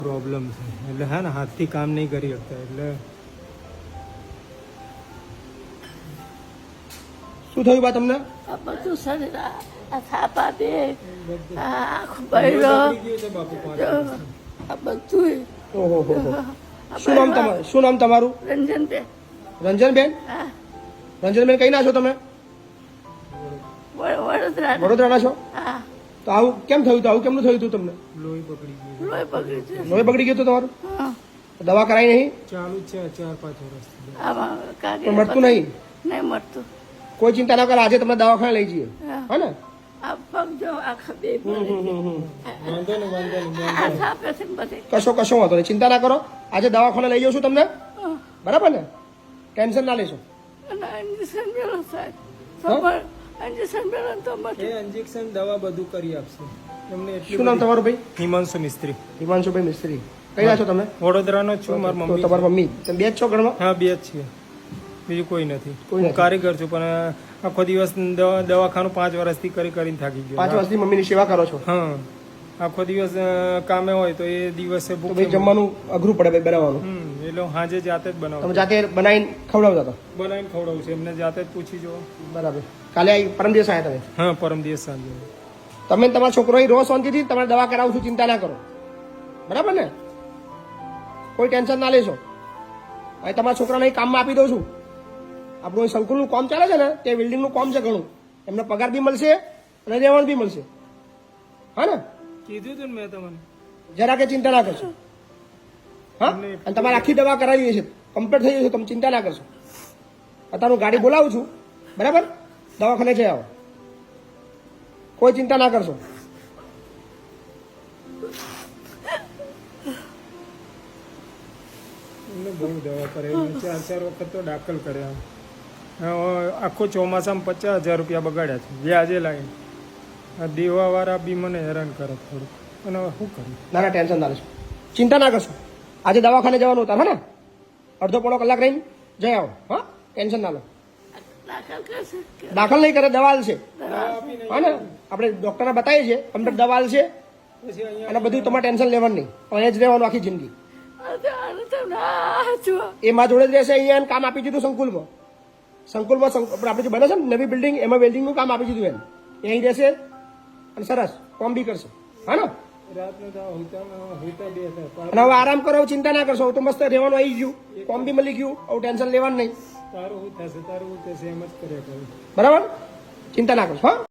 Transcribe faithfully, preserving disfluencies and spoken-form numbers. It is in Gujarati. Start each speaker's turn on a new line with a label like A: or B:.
A: પ્રોબ્લેમ છે એટલે હા ને હાથથી કામ નહીં કરી શકતા એટલે
B: શું થયું બા તમને?
C: આ બધું શરીર આ આ થાપા દે આ આંખ બળ્યો આ બધું
B: ઓહો હો હો. શું નામ તમારું શું નામ તમારું?
C: રંજનબેન.
B: રંજનબેન.
C: હા
B: રંજનબેન કઈ ના છો તમે?
C: વડ- વડોદરા.
B: વડોદરાના છો?
C: હા
B: તો આવું કેમ થયું હતું? આવું કેમનું થયું હતું તમને?
A: લોહી પકડી ગયું
C: લોહી બગડી છે.
B: લોહી બગડી ગયું હતું તમારું?
C: હા
B: દવા કરાઈ નહીં?
A: ચાલુ જ છે ચાર પાંચ વર્ષથી
C: આમાં કાગળ
B: પણ મળતું નહીં?
C: નહીં મળતું.
B: કોઈ ચિંતા ના કરો, આજે તમને દવાખાને લઈ જઈએ.
C: હા.
B: હા ને?
C: આ પગ જો આખા બે પડે.
A: વાંધો નહીં વાંધો નહીં
C: આ થાપે છે ને બધે.
B: કશો કશો વાંધો નહીં, ચિંતા ના કરો. આજે દવાખાને લઈ જઉં છું તમને,
C: હા.
B: બરાબર ને? ટેન્શન ના લેશો.
C: અને ઇન્જેક્શન મેળો સાહેબ ખબર ઇન્જેક્શન મેળો ને તો મટે.
A: એ ઇન્જેક્શન દવા બધું કરી આપશે એમને એટલી
B: શું નામ
A: બધી-
B: તમારું ભાઈ?
A: હિમાંશુ મિસ્ત્રી
B: હિમાંશુભાઈ મિસ્ત્રી. કઈ ના છો તમે?
A: વડોદરાનો જ છું મારી
B: તો
A: મમ્મી
B: તમારી મમ્મી તમે બે જ છો ઘરમાં?
A: હા બે જ છીએ બીજું કોઈ નથી
B: કોઈ
A: હું
B: નથી.
A: કારીગર છું પણ આખો દિવસ દવા- દવાખાનું પાંચ વર્ષથી કરી કરીને થાકી ગયો
B: પાંચ વર્ષથી મમ્મીની સેવા કરો છો,
A: હા આખો દિવસ અ, કામે હોય તો એ દિવસે
B: તો
A: ભૂખ
B: ભાઈ જમવાનું અઘરું પડે ભાઈ બનાવવાનું.
A: હમ એટલે હું સાંજે જાતે જ
B: તમે
A: બનાવું
B: જાતે બનાવીને ખવડાવતા હતા?
A: બનાવીને ખવડાવું છું એમને જાતે જ પૂછી જો
B: બરાબર. કાલે આવી પરમ દિવસ આવ્યા તમે?
A: હા પરમ દિવસ સાંજે
B: તમે ને તમારા છોકરો અહીં રોજ શાંતિથી તમારે દવા કરાવું છું, ચિંતા ના કરો, બરાબર ને? કોઈ ટેન્શન ના લેશો. અહીં તમારા છોકરાને અહીં કામમાં આપી દઉં છું. આપણું અહીં સંકુલનું કામ ચાલે છે ને, તે બિલ્ડિંગનું કામ છે ઘણું. એમને પગાર બી મળશે અને રહેવાનું બી મળશે. હા ને?
A: કીધું તું ને મેં તમને
B: જરા કે ચિંતા ના કરશો. હા, અને તમારે આખી દવા કરાવી છે, કમ્પ્લીટ થઈ જશે, તમે ચિંતા ના કરશો. અત્યારે હું ગાડી બોલાવું છું, બરાબર? દવાખાને જઈ આવો, કોઈ ચિંતા ના કરશો.
A: એમને બહુ દવા કરે એમને ચાર ચાર વખત તો દાખલ કર્યા હવે આખો ચોમાસામાં પચાસ હજાર રૂપિયા બગાડ્યા છે વ્યાજે લાવીને આ દેવાવાળા બી મને હેરાન કરે થોડુંક અને હવે શું કરું
B: ના ના ટેન્શન ના લેશો, ચિંતા ના કરશો. આજે દવાખાને જવાનું હતા, હા ને? અડધો પોણો કલાક રહીને જઈ આવો. હા, ટેન્શન ના લો.
C: દાખલ કરશે કે
B: દાખલ નહીં કરે, દવા છે,
A: દવા આપી નહીં
B: હા ને? આપણે ડોક્ટરને બતાવીએ છીએ, કમ્પ્લીટ દવા છે,
A: પછી અહીંયા
B: અને બધું તમારે ટેન્શન લેવાનું નહીં. અહીંયા જ રહેવાનું આખી જિંદગી.
C: આને તો ના જુઓ.
B: એ માં જોડે જ રહેશે. અહીંયા એને કામ આપી દીધું સંકુલમાં. સંકુલમાં સંક- આપણે જે બને છે ને નવી બિલ્ડિંગ, એમાં વેલ્ડિંગનું કામ આપી દીધું એને. એ અહીં રહેશે અને સરસ કામ બી કરશે. હા ને?
A: રાતનો તો હોતા હોતા બે હતા
B: અને હવે આરામ કરો, ચિંતા ના કરશો. હવે તો મસ્ત રહેવાનું આવી ગયું, કામ બી મળી ગયું, હવે ટેન્શન લેવાનું નહીં.
A: તારું શું થશે તારું શું થશે એમ જ કર્યા કરું
B: બરાબર? ચિંતા ના કરશો. હા.